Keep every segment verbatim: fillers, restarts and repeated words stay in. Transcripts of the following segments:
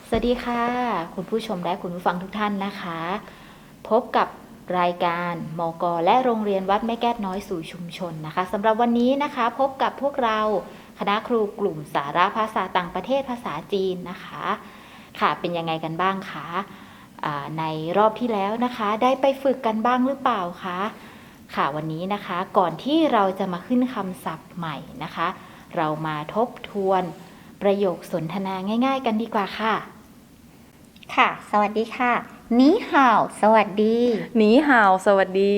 สวัสดีค่ะคุณผู้ชมและคุณผู้ฟังทุกท่านนะคะ พบกับรายการมก.และโรงเรียนวัดแม่แก้วน้อยสู่ชุมชนนะคะสำหรับวันนี้นะคะพบกับพวกเราคณะครูกลุ่มสาระภาษาต่างประเทศภาษาจีนนะคะค่ะเป็นยังไงกันบ้างคะในรอบที่แล้วนะคะได้ไปฝึกกันบ้างหรือเปล่าคะค่ะวันนี้นะคะก่อนที่เราจะมาขึ้นคำศัพท์ใหม่นะคะเรามาทบทวนประโยคสนทนาง่ายๆกันดีกว่าค่ะค่ะสวัสดีค่ะนีห่าวสวัสดีนีห่าวสวัสดี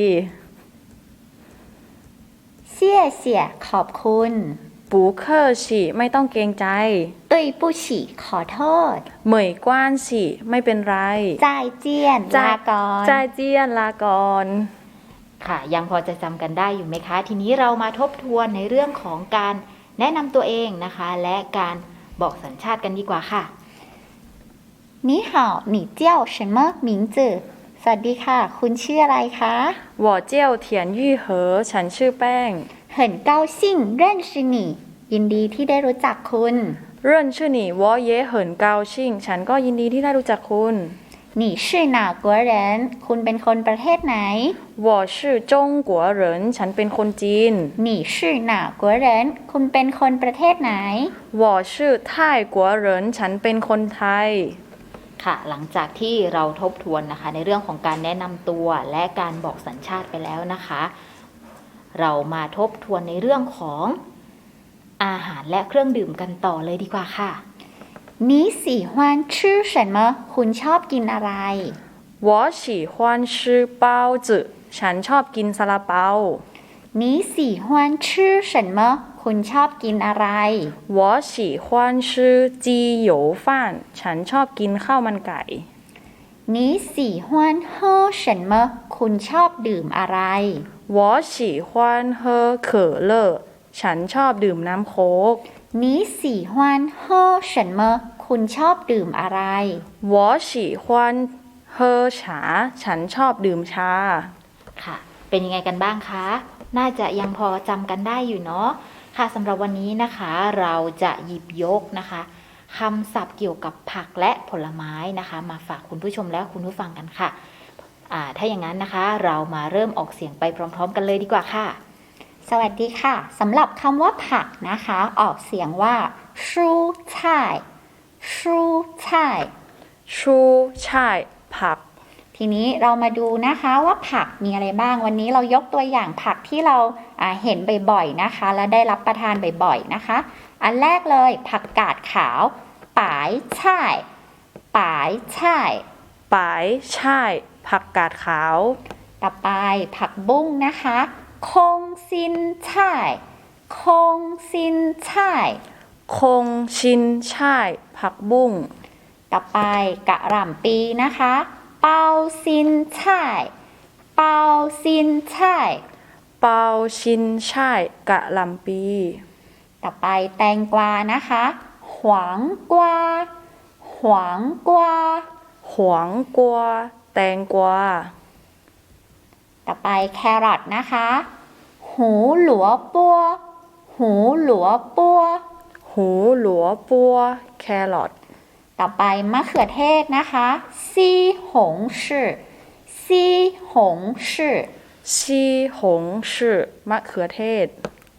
เสี่ยเสี่ยขอบคุณปูเคอร์ฉีไม่ต้องเกรงใจ对不起ขอโทษเหมยกว้านฉีไม่เป็นไรจ่ายเจียนลาก่อนจ่ายเจียนลาก่อนค่ะยังพอจะจำกันได้อยู่ไหมคะทีนี้เรามาทบทวนในเรื่องของการแนะนำตัวเองนะคะและการบอกสัญชาติกันดีกว่าค่ะ你好你叫什么名字สวัสดีค่ะคุณชื่ออะไรคะ我叫田玉和ฉันชื่อแป้ง很高兴认识你ยินดีที่ได้รู้จักคุณ认识你我也很高兴ฉันก็ยินดีที่ได้รู้จักคุณ你是哪国人คุณเป็นคนประเทศไหน我是中国人ฉันเป็นคนจีน你是哪国人คุณเป็นคนประเทศไหน我是泰国人ฉันเป็นคนไทยค่ะหลังจากที่เราทบทวนนะคะในเรื่องของการแนะนำตัวและการบอกสัญชาติไปแล้วนะคะเรามาทบทวนในเรื่องของอาหารและเครื่องดื่มกันต่อเลยดีกว่าค่ะ你喜欢吃什么คุณชอบกินอะไร我喜欢吃包子ฉันชอบกินซาลาเปา你喜欢吃什么คุณชอบกินอะไร我喜欢吃鸡油饭ฉันชอบกินข้าวมันไก่你喜欢喝什么คุณชอบดื่มอะไร我喜欢喝可乐ฉันชอบดื่มน้ำโค้ก你喜欢喝什么คุณชอบดื่มอะไร我喜欢喝茶ฉันชอบดื่มชาค่ะเป็นยังไงกันบ้างคะน่าจะยังพอจำกันได้อยู่เนาะค่ะสำหรับวันนี้นะคะเราจะหยิบยกนะคะคำศัพท์เกี่ยวกับผักและผลไม้นะคะมาฝากคุณผู้ชมและคุณผู้ฟังกันค่ะอ่าถ้าอย่างนั้นนะคะเรามาเริ่มออกเสียงไปพร้อมๆกันเลยดีกว่าค่ะสวัสดีค่ะสำหรับคำว่าผักนะคะออกเสียงว่าชูช่ายชูช่ายชูช่ายผักทีนี้เรามาดูนะคะว่าผักมีอะไรบ้างวันนี้เรายกตัวอย่างผักที่เราเห็นบ่อยๆนะคะและได้รับประทานบ่อยๆนะคะอันแรกเลยผักกาดขาวป๋ายช่ายป๋ายช่ายป๋ายช่ายผักกาดขาวต่อไปผักบุ้งนะคะคงซินช่ายคงซินช่ายคงชินช่ายผักบุ้งต่อไปกะหล่ำปีนะคะเปาซินช่ายเปาซินช่ายเปาชินช่ายกะหล่ำปีต่อไปแตงกวานะคะหวางกวาหวางกวาหวางกวาแตงกวาต่อไปแครอทนะคะหูหลัวปัวหูหลัวปัวหูหลัวปัวแครอทต่อไปมะเขือเทศนะคะซีหงชื่อซีหงชื่อซีหงชื่อมะเขือเทศ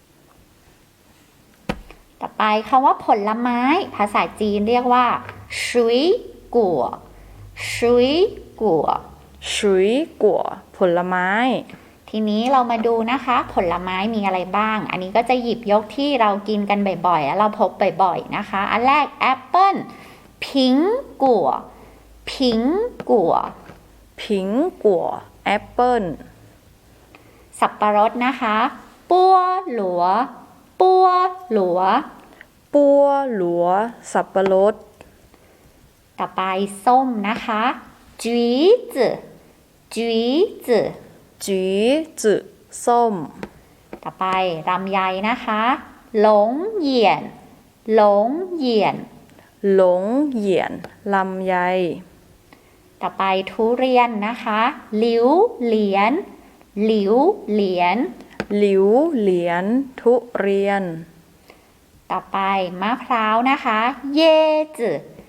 ต่อไปคำว่าผลไม้ภาษาจีนเรียกว่าชุยกัวชุยกัวชุยกัวผลไม้ทีนี้เรามาดูนะคะผลไม้มีอะไรบ้างอันนี้ก็จะหยิบยกที่เรากินกันบ่อยๆแล้วเราพบบ่อยๆนะคะอันแรกแอปเปิ้ลผิงกัวผิงกัวผิงกัวแอปเปิ้ลสับปะรดนะคะปัวหลัวปัวหลัวปัวหลัวสับปะรดต่อไปส้มนะคะจุ๋ยจื่อจุ๋ยจื่อจุ๋ยจื่อส้มต่อไปลำไยนะคะหลงเหยียนหลงเหยียนหลงเหยียนลำไยต่อไปทุเรียนนะคะหลิวเหลียนหลิวเหลียนหลิวเหลียนทุเรียนต่อไปมะพร้าวนะคะเย่จื่อ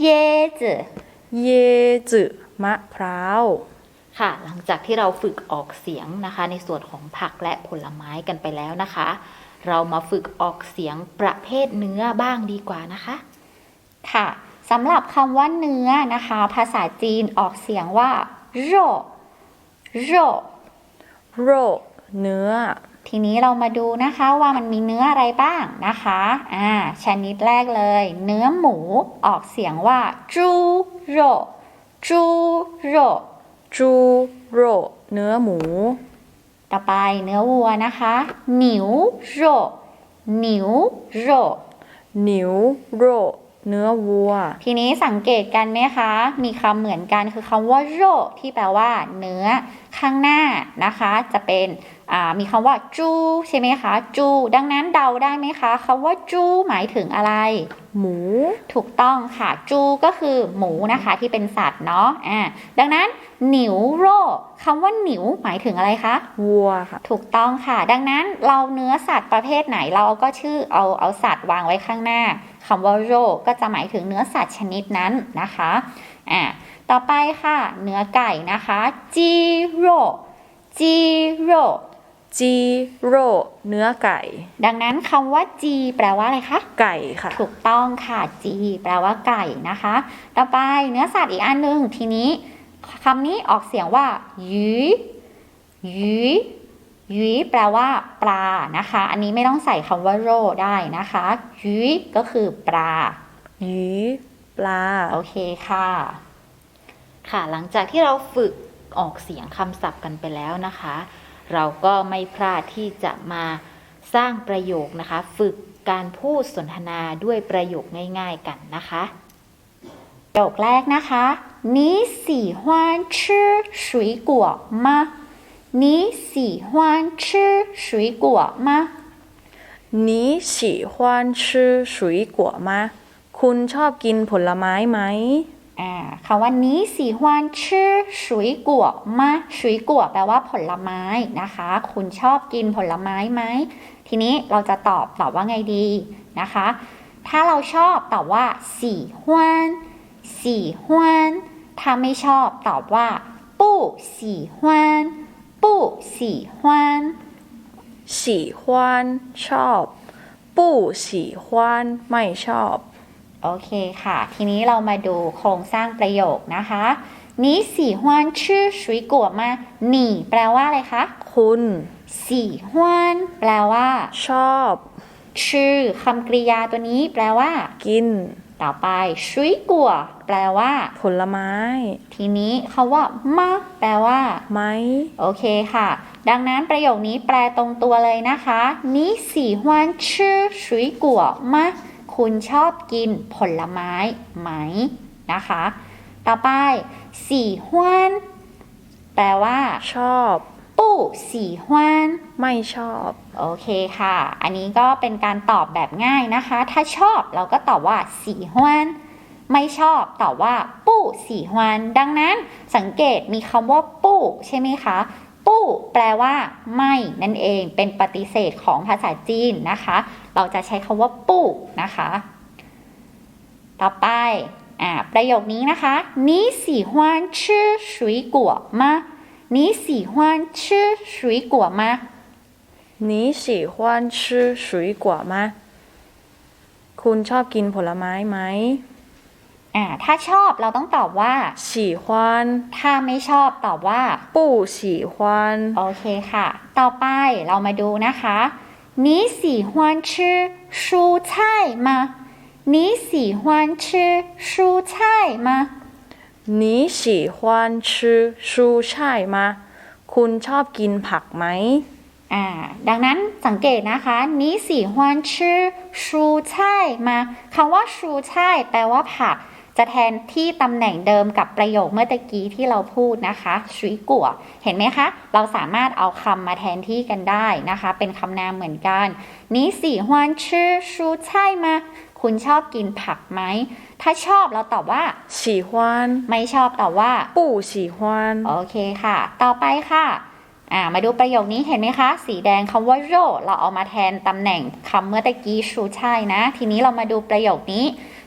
椰子椰子มะพร้าวค่ะ หลังจากที่เราฝึกออกเสียงนะคะในส่วนของผักและผลไม้กันไปแล้วนะคะ เรามาฝึกออกเสียงประเภทเนื้อบ้างดีกว่านะคะค่ะสำหรับคำว่าเนื้อนะคะภาษาจีนออกเสียงว่าโรโรโรเนื้อทีนี้เรามาดูนะคะว่ามันมีเนื้ออะไรบ้างนะคะอ่าชนิดแรกเลย เนื้อหมูออกเสียงว่าจูโรจูโรจูโรเนื้อหมูต่อไปเนื้อวัวนะคะหนิวโรหนิวโรหนิวโรเนื้อวัวทีนี้สังเกตกันไหมคะ มีคำเหมือนกันคือคำว่าโรที่แปลว่าเนื้อข้างหน้านะคะ จะเป็นมีคำว่าจูใช่ไหมคะจูดังนั้นเดาได้ไหมคะคำว่าจูหมายถึงอะไรหมูถูกต้องค่ะจูก็คือหมูนะคะที่เป็นสัตว์เนาะอ่าดังนั้นหนิวโรคำว่าหนิวหมายถึงอะไรคะวัวค่ะถูกต้องค่ะ ดังนั้นเราเนื้อสัตว์ประเภทไหนเราก็ชื่อเอาเอาสัตว์วางไว้ข้างหน้าคำว่าโรก็จะหมายถึงเนื้อสัตว์ชนิดนั้นนะคะอ่าต่อไปค่ะ เนื้อไก่นะคะจีโรจีโรจีโรเนื้อไก่ดังนั้นคำว่าจีแปลว่าอะไรคะไก่ค่ะถูกต้องค่ะจีแปลว่าไก่นะคะ ต่อไปเนื้อสัตว์อีกอันหนึ่งทีนี้คำนี้ออกเสียงว่าหยีหยีหยีแปลว่าปลานะคะ อันนี้ไม่ต้องใส่คำว่าโรได้นะคะหยีก็คือปลาหยีปลาโอเคค่ะ ค่ะหลังจากที่เราฝึกออกเสียงคำศัพท์กันไปแล้วนะคะ เราก็ไม่พลาดที่จะมาสร้างประโยคนะคะ ฝึกการพูดสนทนาด้วยประโยคง่ายๆกันนะคะประโยคแรกนะคะ你喜欢吃水果吗你喜欢吃水果吗你喜欢吃水果吗คุณชอบกินผลไม้ไหมอ่าคำว่านี้喜欢吃水果吗水果แปลว่าผลไม้นะคะคุณชอบกินผลไม้ไหมทีนี้เราจะตอบตอบว่าไงดีนะคะถ้าเราชอบตอบว่า喜欢喜欢ถ้าไม่ชอบตอบว่า不喜欢不喜欢喜欢ชอบ不喜欢ไม่ชอบโอเคค่ะทีนี้เรามาดูโครงสร้างประโยคนะคะ你喜欢吃水果吗你แปลว่าอะไรคะคุณ喜欢แปลว่าชอบชื่อคำกริยาตัวนี้แปลว่ากินต่อไป水果แปลว่าผลไม้ทีนี้คำว่ามะแปลว่าไหมโอเคค่ะดังนั้นประโยคนี้แปลตรงตัวเลยนะคะ你喜欢吃水果吗คุณชอบกินผลไม้ไหมนะคะต่อไป喜欢แปลว่าชอบ不喜欢ไม่ชอบโอเคค่ะอันนี้ก็เป็นการตอบแบบง่ายนะคะถ้าชอบเราก็ตอบว่า喜欢ไม่ชอบตอบว่า不喜欢ดังนั้นสังเกตมีคำว่า不ใช่ไหมคะปู้แปลว่าไม่นั่นเองเป็นปฏิเสธของภาษาจีนนะคะเราจะใช้คำว่าปู้นะคะต่อไปอ่าประโยคนี้นะคะ你喜欢吃水果吗你喜欢吃水果吗你喜欢吃水果吗คุณชอบกินผลไม้ไหมอ่าถ้าชอบเราต้องตอบว่า喜欢ถ้าไม่ชอบตอบว่า不喜欢โอเคค่ะต่อไปเรามาดูนะคะ你喜欢吃蔬菜吗你喜欢吃蔬菜吗你喜欢吃蔬菜吗คุณชอบกินผักไหมอ่าดังนั้นสังเกตนะคะ你喜欢吃蔬菜吗คำว่าชูช่ายแปลว่าผักจะแทนที่ตำแหน่งเดิมกับประโยคเมื่อตะกี้ที่เราพูดนะคะชุยกัวเห็นไหมคะเราสามารถเอาคำมาแทนที่กันได้นะคะเป็นคำนามเหมือนกัน你喜欢吃蔬菜吗คุณชอบกินผักไหมถ้าชอบเราตอบว่า喜欢ไม่ชอบตอบว่า不喜欢โอเคค่ะต่อไปค่ะอ่ามาดูประโยคนี้เห็นไหมคะสีแดงคำว่าโรเราเอามาแทนตำแหน่งคำเมื่อตะกี้ชูช่ายนะทีนี้เรามาดูประโยคนี้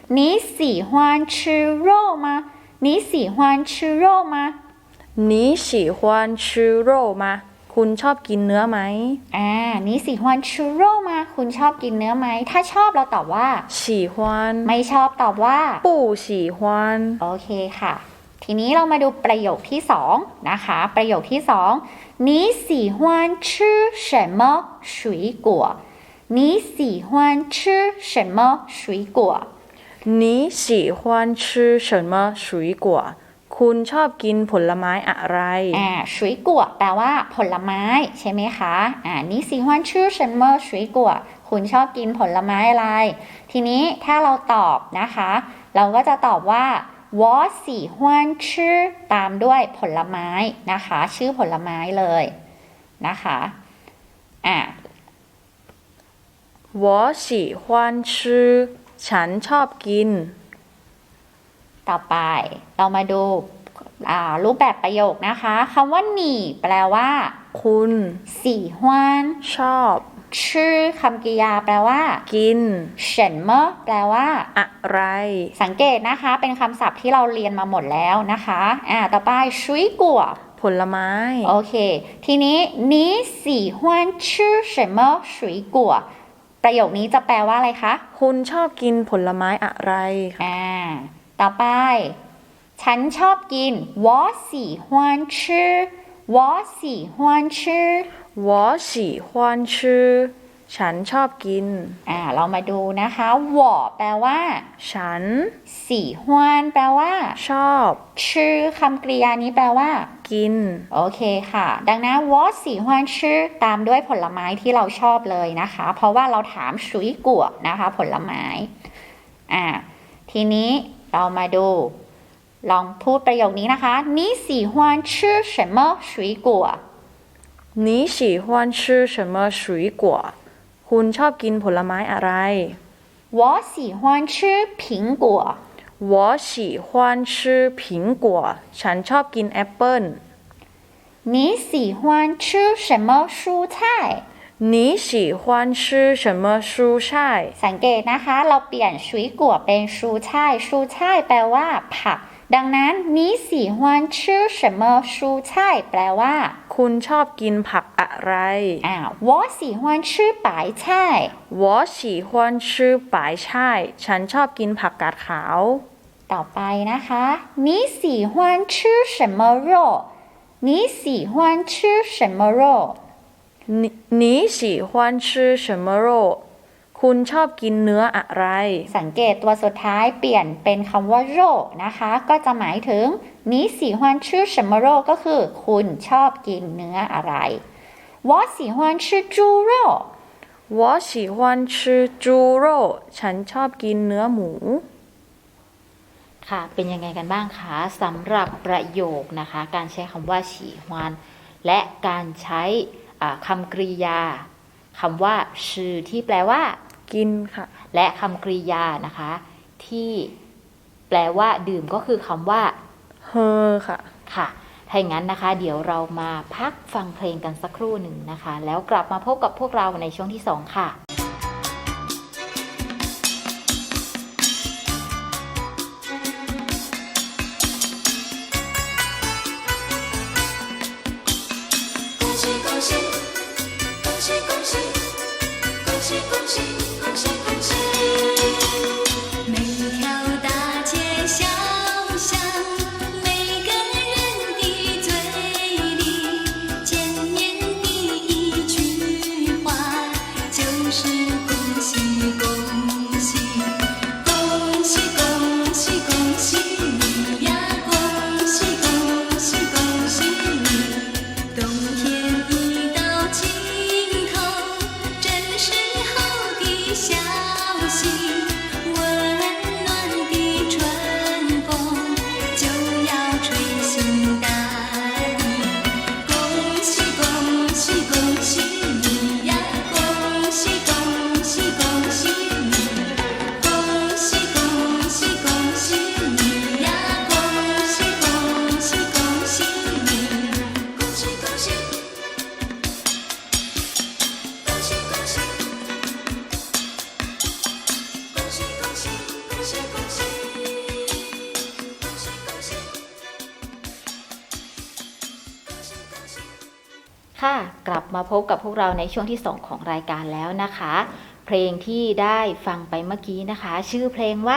你喜欢吃肉吗你喜欢吃肉吗你喜欢吃肉吗คุณชอบกินเนื้อไหมอ่า你喜欢吃肉吗คุณชอบกินเนื้อไหมถ้าชอบเราตอบว่า喜欢ไม่ชอบตอบว่า不喜欢โอเคค่ะทีนี้เรามาดูประโยคที่สองนะคะประโยคที่สอง你喜欢吃什么水果你喜欢吃什么水果你喜欢吃什么水果คุณชอบกินผลไม้อะไรอ่า水果แปลว่าผลไม้ใช่ไหมคะอ่า你喜欢吃什么水果คุณชอบกินผลไม้อะไรทีนี้ถ้าเราตอบนะคะเราก็จะตอบว่า我喜欢吃ตามด้วยผลไม้นะคะชื่อผลไม้เลยนะคะอ่า我喜欢吃ฉันชอบกินต่อไปเรามาดูรูปแบบประโยคนะคะคำว่าหนีแปลว่าคุณสี่ฮวนชอบชื่อคำกริยาแปลว่ากินเฉินเมอแปลว่าอะไรสังเกตนะคะเป็นคำศัพท์ที่เราเรียนมาหมดแล้วนะคะอ่าต่อไปชุยกัวผลไม้โอเคทีนี้นี้สี่ฮวนชื่อเฉินเมอชุยกัวประโยคนี้จะแปลว่าอะไรคะคุณชอบกินผลไม้อะไรอ่าต่อไปฉันชอบกิน我喜欢吃我喜欢吃我喜欢吃ฉันชอบกินอ่าเรามาดูนะคะ我แปลว่าฉัน喜欢แปลว่าชอบชื่อคำกริยานี้แปลว่ากินโอเคค่ะดังนั้น我喜欢吃ตามด้วยผลไม้ที่เราชอบเลยนะคะเพราะว่าเราถามชุยกัวนะคะผลไม้อ่าทีนี้เรามาดูลองพูดประโยคนี้นะคะ你喜欢吃什么水果你喜欢吃什么水果คุณชอบกินผลไม้อะไร我喜欢吃苹果我喜欢吃苹果ฉันชอบกินแอปเปิ้ล你喜欢吃什么蔬菜你喜欢吃什么蔬菜สังเกตนะคะเราเปลี่ยนชุยกัวเป็นชูช่ายชูช่ายแปลว่าผักดังนั้น你喜欢吃什么蔬菜แปลว่าคุณชอบกินผักอะไรอ่า我喜欢吃白菜我喜欢吃白菜ฉันชอบกินผักกาดขาวต่อไปนะคะ你喜欢吃什么肉你喜欢吃什么肉你你喜欢吃什么肉คุณชอบกินเนื้ออะไรสังเกตตัวสุดท้ายเปลี่ยนเป็นคำว่าโรนะคะก็จะหมายถึง你喜欢吃什么肉ก็คือคุณชอบกินเนื้ออะไร我喜欢吃猪肉我喜欢吃猪肉ฉันชอบกินเนื้อหมูค่ะเป็นยังไงกันบ้างคะสำหรับประโยคนะคะการใช้คำว่าฉีฮวนและการใช้คำกริยาคำว่าชื่อที่แปลว่ากินค่ะและคำกริยานะคะที่แปลว่าดื่มก็คือคำว่าเฮอค่ะค่ะถ้าอย่างนั้นนะคะเดี๋ยวเรามาพักฟังเพลงกันสักครู่หนึ่งนะคะแล้วกลับมาพบกับพวกเราในช่วงที่สองค่ะ就是ค่ะกลับมาพบกับพวกเราในช่วงที่สองของรายการแล้วนะคะ เพลงที่ได้ฟังไปเมื่อกี้นะคะ ชื่อเพลงว่าก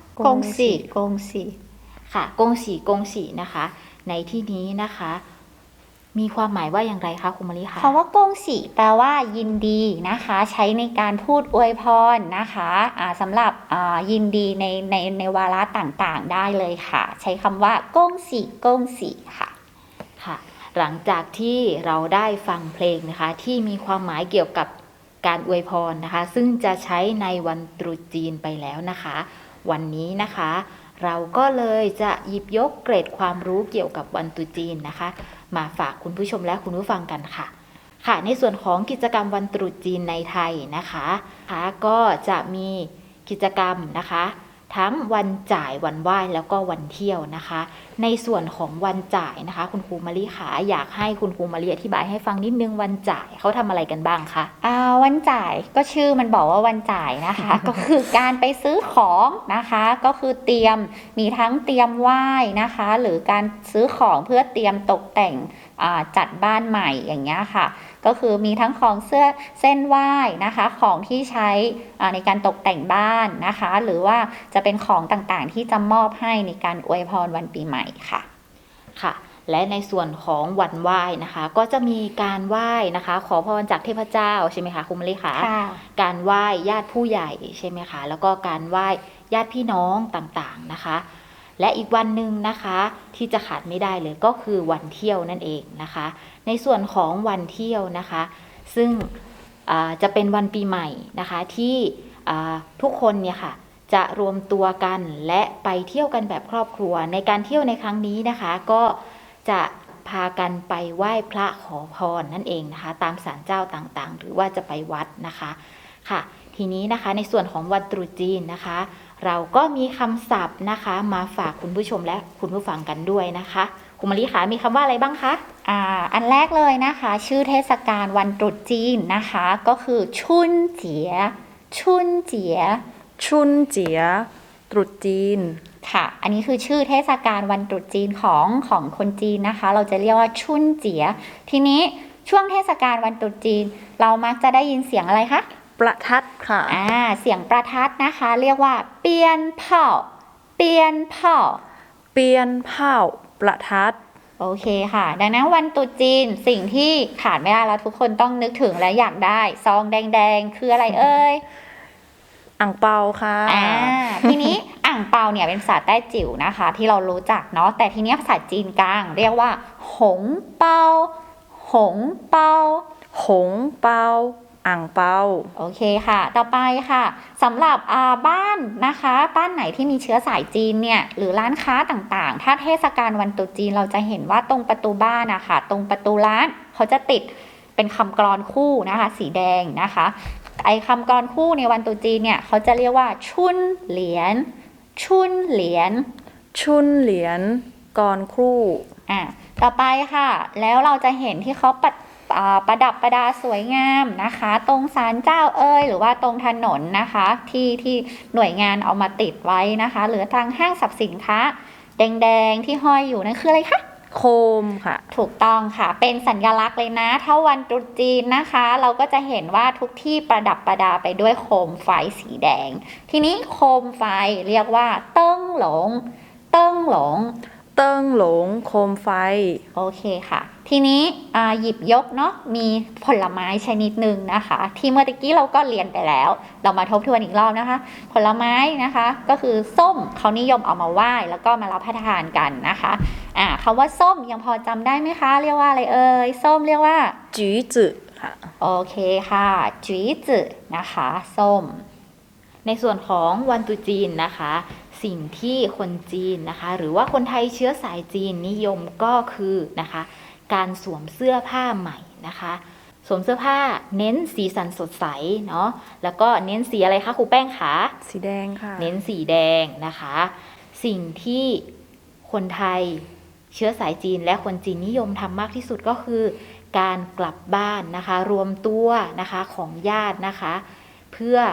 งสีกงสีค่ะกงสีกงสีนะคะ ในที่นี้นะคะ มีความหมายว่าอย่างไรคะคุณมะลิคะคำว่ากงสีแปลว่ายินดีนะคะ ใช้ในการพูดอวยพรนะคะอ่าสำหรับอ่ายินดีในในในวาระต่างๆได้เลยค่ะ ใช้คำว่ากงสีกงสีค่ะค่ะ หลังจากที่เราได้ฟังเพลงนะคะที่มีความหมายเกี่ยวกับการอวยพรนะคะ ซึ่งจะใช้ในวันตรุษจีนไปแล้วนะคะ วันนี้นะคะ เราก็เลยจะหยิบยกเกร็ดความรู้เกี่ยวกับวันตรุษจีนนะคะ มาฝากคุณผู้ชมและคุณผู้ฟังกันค่ะ ค่ะ ในส่วนของกิจกรรมวันตรุษจีนในไทยนะคะค่ะก็จะมีกิจกรรมนะคะ ทั้งวันจ่ายวันไหว้แล้วก็วันเที่ยวนะคะ ในส่วนของวันจ่ายนะคะ คุณครูมะลิขาอยากให้คุณครูมะลิอธิบายให้ฟังนิดนึงวันจ่ายเขาทำอะไรกันบ้างคะอ่าวันจ่ายก็ชื่อมันบอกว่าวันจ่ายนะคะ ก็คือการไปซื้อของนะคะ ก็คือเตรียมมีทั้งเตรียมไหว้นะคะ หรือการซื้อของเพื่อเตรียมตกแต่งอ่าจัดบ้านใหม่อย่างเงี้ยค่ะ ก็คือมีทั้งของเสื้อเส้นไหว้นะคะ ของที่ใช้อ่าในการตกแต่งบ้านนะคะ หรือว่าจะเป็นของต่างๆที่จะมอบให้ในการอวยพรวันปีใหม่ค่ะค่ะ และในส่วนของวันไหว้นะคะ ก็จะมีการไหว้นะคะ ขอพรจากเทพเจ้าใช่ไหมคะคุณมะลิคะค่ะการไหว้ญาติผู้ใหญ่ใช่ไหมคะแล้วก็การไหว้ญาติพี่น้องต่างๆนะคะ และอีกวันหนึ่งนะคะที่จะขาดไม่ได้เลยก็คือวันเที่ยวนั่นเองนะคะ ในส่วนของวันเที่ยวนะคะ ซึ่งอ่าจะเป็นวันปีใหม่นะคะที่อ่าทุกคนเนี่ยค่ะจะรวมตัวกันและไปเที่ยวกันแบบครอบครัว ในการเที่ยวในครั้งนี้นะคะ ก็จะพากันไปไหว้พระขอพรนั่นเองนะคะตามศาลเจ้าต่างๆ หรือว่าจะไปวัดนะคะค่ะ ทีนี้นะคะในส่วนของวันตรุษจีนนะคะ เราก็มีคำศัพท์นะคะ มาฝากคุณผู้ชมและคุณผู้ฟังกันด้วยนะคะคุณมะลิขามีคำว่าอะไรบ้างคะอ่าอันแรกเลยนะคะ ชื่อเทศกาลวันตรุษจีนนะคะ ก็คือชุนเจียชุนเจียชุนเจีย ตรุษจีนค่ะ อันนี้คือชื่อเทศกาลวันตรุษจีนของของคนจีนนะคะ เราจะเรียกว่าชุนเจีย ทีนี้ช่วงเทศกาลวันตรุษจีน เรามักจะได้ยินเสียงอะไรคะประทัดค่ะอ่าเสียงประทัดนะคะ เรียกว่าเปียนเผ่าเปียนเผ่าเปียนเผาประทัดโอเคค่ะ ดังนั้นวันตรุษจีนสิ่งที่ขาดไม่ได้แล้วทุกคนต้องนึกถึงและอยากได้ซองแดงๆ คืออะไรเอ่ยอ่างเปาค่ะอ่าทีนี้อ่างเปาเนี่ยเป็นภาษาแต้จิ๋วนะคะ ที่เรารู้จักเนาะแต่ทีนี้ภาษาจีนกลาง เรียกว่าหงเปาหงเปาหงเปา อ่างเปาโอเคค่ะ ต่อไปค่ะสำหรับอ่าบ้านนะคะ บ้านไหนที่มีเชื้อสายจีนเนี่ยหรือร้านค้าต่างๆ ถ้าเทศกาลวันตรุษจีนเราจะเห็นว่าตรงประตูบ้านนะคะตรงประตูร้านเขาจะติดเป็นคำกลอนคู่นะคะ สีแดงนะคะ ไอ้คำกลอนคู่ในวันตรุษจีนเนี่ยเขาจะเรียกว่าชุนเหรียญชุนเหรียญชุนเหรียญกรครู่อ่ะต่อไปค่ะ แล้วเราจะเห็นที่เขาประอ่าประดับประดาสวยงามนะคะ ตรงศาลเจ้าเอ่ยหรือว่าตรงถนนนะคะ ที่ที่หน่วยงานเอามาติดไว้นะคะ หรือทางห้างสรรพสินค้า แดงๆที่ห้อยอยู่นั่นคืออะไรคะโคมค่ะถูกต้องค่ะ เป็นสัญลักษณ์เลยนะ ถ้าวันตรุษจีนนะคะ เราก็จะเห็นว่าทุกที่ประดับประดาไปด้วยโคมไฟสีแดง ทีนี้โคมไฟเรียกว่าเติ้งหลง เติ้งหลงเติ้งหลง โคมไฟโอเคค่ะ ทีนี้อ่าหยิบยกเนาะ มีผลไม้ชนิดหนึ่งนะคะ ที่เมื่อตะกี้เราก็เรียนไปแล้ว เรามาทบทวนอีกรอบนะคะ ผลไม้นะคะ ก็คือส้มเขานิยมเอามาไหว้แล้วก็มารับประทานกันนะคะ อ่าคำว่าส้มยังพอจำได้ไหมคะ เรียกว่าอะไรเอ่ย ส้มเรียกว่าจื้อจื้อค่ะโอเคค่ะจีจือนะคะ ส้มในส่วนของวันตรุษจีนนะคะ สิ่งที่คนจีนนะคะ หรือว่าคนไทยเชื้อสายจีนนิยมก็คือนะคะ การสวมเสื้อผ้าใหม่นะคะ สวมเสื้อผ้าเน้นสีสันสดใสเนาะแล้วก็เน้นสีอะไรคะครูแป้งคะสีแดงค่ะเน้นสีแดงนะคะ สิ่งที่คนไทยเชื้อสายจีนและคนจีนนิยมทำมากที่สุดก็คือ การกลับบ้านนะคะ รวมตัวนะคะของญาตินะคะ เพื่อ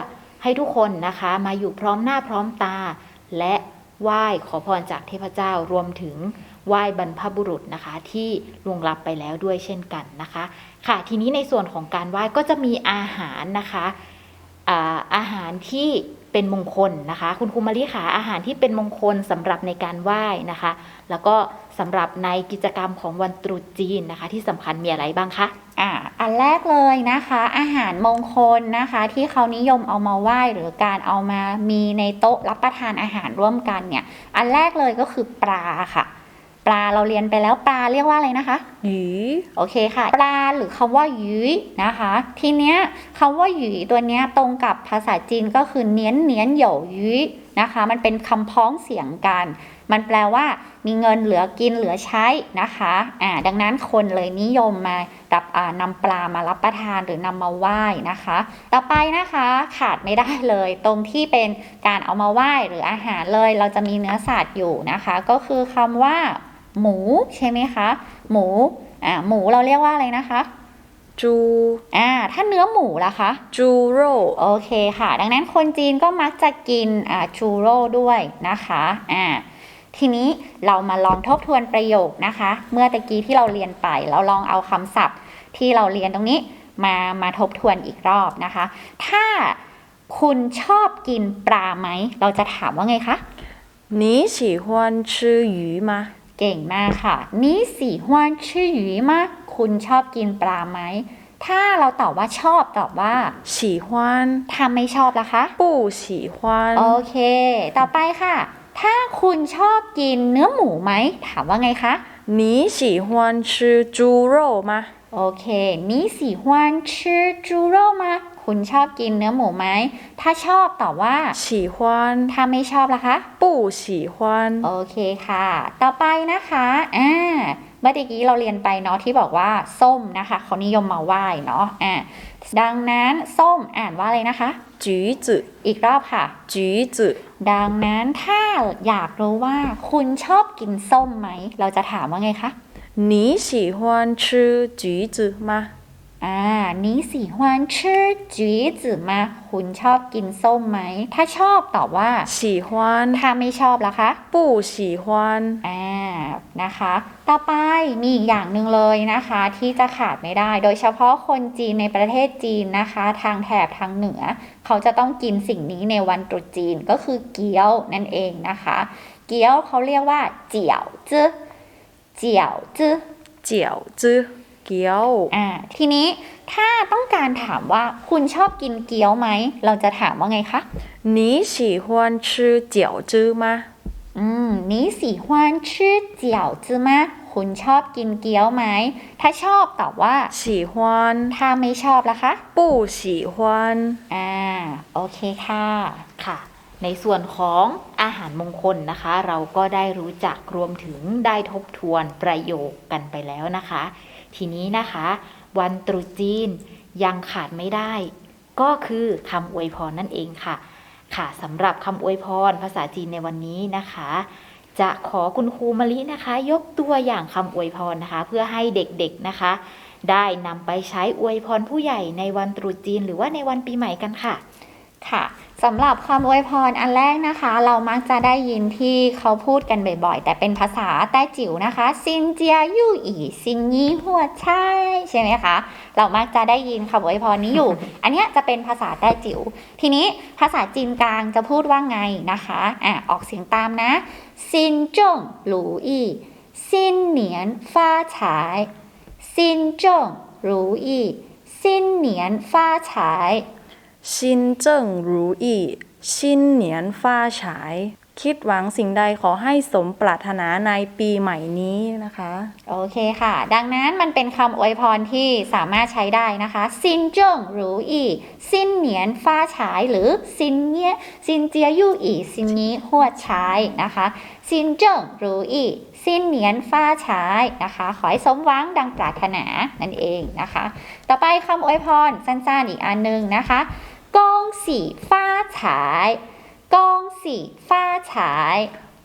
ให้ทุกคนนะคะมาอยู่พร้อมหน้าพร้อมตาและไหว้ขอพรจากเทพเจ้ารวมถึงไหว้บรรพบุรุษนะคะที่ล่วงลับไปแล้วด้วยเช่นกันนะคะค่ะทีนี้ในส่วนของการไหว้ก็จะมีอาหารนะคะอ่าอาหารที่เป็นมงคลนะคะคุณครูมาริขาอาหารที่เป็นมงคลสำหรับในการไหว้นะคะแล้วก็สำหรับในกิจกรรมของวันตรุษจีนนะคะที่สำคัญมีอะไรบ้างคะอ่าอันแรกเลยนะคะอาหารมงคลนะคะที่เขานิยมเอามาไหว้หรือการเอามามีในโต๊ะรับประทานอาหารร่วมกันเนี่ยอันแรกเลยก็คือปลาค่ะปลาเราเรียนไปแล้วปลาเรียกว่าอะไรนะคะ鱼โอเคค่ะปลาหรือคำว่าหยีนะคะทีเนี้ยคำว่าหยีตัวเนี้ยตรงกับภาษาจีนก็คือเนียนเนียนเหยวหยีนะคะมันเป็นคำพ้องเสียงกันมันแปลว่ามีเงินเหลือกินเหลือใช้นะคะอ่าดังนั้นคนเลยนิยมมารับอ่านำปลามารับประทานหรือนำมาไหว้นะคะต่อไปนะคะขาดไม่ได้เลยตรงที่เป็นการเอามาไหว้หรืออาหารเลยเราจะมีเนื้อสัตว์อยู่นะคะก็คือคำว่าหมูใช่ไหมคะหมูอ่าหมูเราเรียกว่าอะไรนะคะจูอ่าถ้าเนื้อหมูล่ะคะจูโร่โอเคค่ะดังนั้นคนจีนก็มักจะกินอ่าจูโร่ด้วยนะคะอ่าทีนี้เรามาลองทบทวนประโยคนะคะเมื่อตะกี้ที่เราเรียนไปเราลองเอาคำศัพท์ที่เราเรียนตรงนี้มามาทบทวนอีกรอบนะคะถ้าคุณชอบกินปลาไหมเราจะถามว่าไงคะ你喜欢吃鱼吗เก่งมากค่ะนี่สีฮวนชื่อหยีมากคุณชอบกินปลาไหมถ้าเราตอบว่าชอบตอบว่า喜欢ถ้าไม่ชอบล่ะคะ不喜欢โอเคต่อไปค่ะถ้าคุณชอบกินเนื้อหมูไหมถามว่าไงคะ你喜欢吃猪肉吗โอเคนี่สีฮวนชื่อจูโร่มาคุณชอบกินเนื้อหมูไหมถ้าชอบตอบว่า喜欢ถ้าไม่ชอบล่ะคะ不喜欢โอเคค่ะต่อไปนะคะอ่าเมื่อกี้เราเรียนไปเนาะที่บอกว่าส้มนะคะเขานิยมมาไหว้เนาะอ่าดังนั้นส้มอ่านว่าอะไรนะคะ橘子อีกรอบค่ะ橘子ดังนั้นถ้าอยากรู้ว่าคุณชอบกินส้มไหมเราจะถามว่าไงคะ你喜欢吃橘子吗อ่านี่สีฮวนชื่อจีจือมาคุณชอบกินส้มไหมถ้าชอบตอบว่า喜欢ถ้าไม่ชอบล่ะคะ不喜欢อ่านะคะต่อไปมีอีกอย่างหนึ่งเลยนะคะที่จะขาดไม่ได้โดยเฉพาะคนจีนในประเทศจีนนะคะทางแถบทางเหนือเขาจะต้องกินสิ่งนี้ในวันตรุษจีนก็คือเกี๊ยวนั่นเองนะคะเกี๊ยวเขาเรียกว่าเจี๋ยวจื้อเจี๋ยวจื้อเจี๋ยวจื้อเกี๊ยวอ่าทีนี้ถ้าต้องการถามว่าคุณชอบกินเกี๊ยวไหมเราจะถามว่าไงคะ你喜欢吃饺子吗อืม你喜欢吃饺子吗คุณชอบกินเกี๊ยวไหมถ้าชอบตอบว่า喜欢ถ้าไม่ชอบล่ะคะ不喜欢อ่าโอเคค่ะค่ะในส่วนของอาหารมงคลนะคะเราก็ได้รู้จักรวมถึงได้ทบทวนประโยคกันไปแล้วนะคะทีนี้นะคะวันตรุษจีนยังขาดไม่ได้ก็คือคำอวยพรนั่นเองค่ะค่ะสำหรับคำอวยพรภาษาจีนในวันนี้นะคะจะขอคุณครูมะลินะคะยกตัวอย่างคำอวยพรนะคะเพื่อให้เด็กๆนะคะได้นำไปใช้อวยพรผู้ใหญ่ในวันตรุษจีนหรือว่าในวันปีใหม่กันค่ะค่ะสำหรับคำอวยพรอันแรกนะคะเรามักจะได้ยินที่เขาพูดกันบ่อยๆแต่เป็นภาษาแต้จิ๋วนะคะซินเจียยู่อีซินยี่หัวใช่ใช่ไหมคะเรามักจะได้ยินคำอวยพรนี้อยู่ อันนี้จะเป็นภาษาแต้จิ๋วทีนี้ภาษาจีนกลางจะพูดว่าไงนะคะอ่ะออกเสียงตามนะซินจงหรูอี้ซินเหนียนฟ้าฉายซินจงหรูอี้ซินเหนียนฟ้าฉาย心正如意新年发财คิดหวังสิ่งใดขอให้สมปรารถนาในปีใหม่นี้นะคะโอเคค่ะดังนั้นมันเป็นคำอวยพรที่สามารถใช้ได้นะคะซินเจิ้งหรูอีซินเหนียนฟ้าฉายหรือซินเนี้ยซินเจียยู่อีซินนี้หัวฉายนะคะซินเจิ้งหรูอีซินเหนียนฟ้าฉายนะคะขอให้สมหวังดังปรารถนานั่นเองนะคะต่อไปคำอวยพรสั้นๆอีกอันนึงนะคะกงสีฟ้าฉายกงสีฟ้าฉาย恭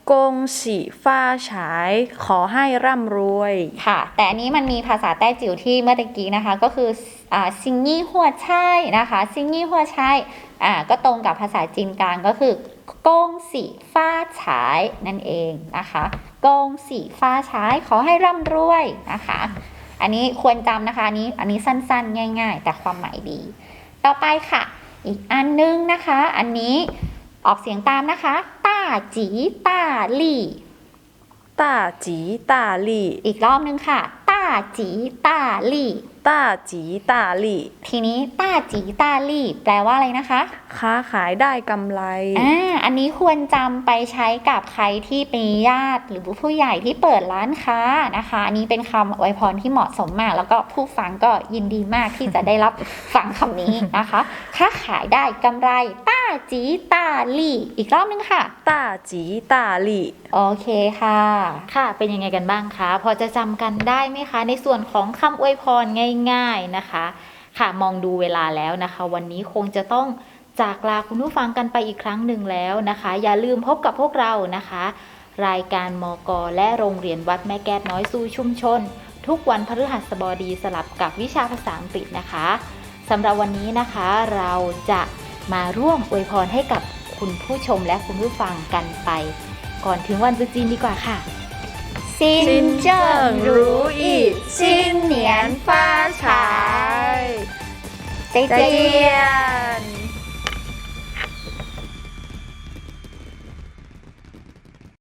กงสีฟ้าฉายขอให้ร่ำรวยค่ะ แต่อันนี้มันมีภาษาแต้จิ๋วที่เมื่อตะกี้นะคะ ก็คืออ่าซิงยี่หัวใช่นะคะซิงยี่หัวใช่อ่าก็ตรงกับภาษาจีนกลางก็คือกงสีฟ้าฉายนั่นเองนะคะกงสีฟ้าฉายขอให้ร่ำรวยนะคะ อันนี้ควรจำนะคะอันนี้อันนี้สั้นๆง่ายๆ แต่ความหมายดี ต่อไปค่ะ อีกอันนึงนะคะ อันนี้ออกเสียงตามนะคะต้าจีต้าลี่ต้าจีต้าลี่อีกรอบนึงค่ะต้าจีต้าลี่ต้าจีต้าลี่ทีนี้ต้าจีต้าลี่ แปลว่าอะไรนะคะค้าขายได้กำไรอ่าอันนี้ควรจำไปใช้กับใครที่เป็นญาติหรือผู้ใหญ่ที่เปิดร้านค้านะคะ อันนี้เป็นคำอวยพรที่เหมาะสมมาก แล้วก็ผู้ฟังก็ยินดีมากที่จะได้รับ ฟังคำนี้นะคะค้าขายได้กำไรต้าจีต้าลี่ อีกรอบนึงค่ะต้าจีต้าลี่โอเคค่ะค่ะ เป็นยังไงกันบ้างคะ พอจะจำกันได้ไหมคะ ในส่วนของคำอวยพรง่ายๆนะคะ ค่ะ มองดูเวลาแล้วนะคะ วันนี้คงจะต้องจากลาคุณผู้ฟังกันไปอีกครั้งหนึ่งแล้วนะคะ อย่าลืมพบกับพวกเรานะคะ รายการมก.และโรงเรียนวัดแม่แก้วน้อยสู่ชุมชน ทุกวันพฤหัสบดีสลับกับวิชาภาษาอังกฤษนะคะสำหรับวันนี้นะคะเราจะมาร่วมอวยพรให้กับคุณผู้ชมและคุณผู้ฟังกันไป ก่อนถึงวันตรุษจีนดีกว่าค่ะซินเจิ้งรู้อีซินเหนียนฟ้าฉาย 再再见见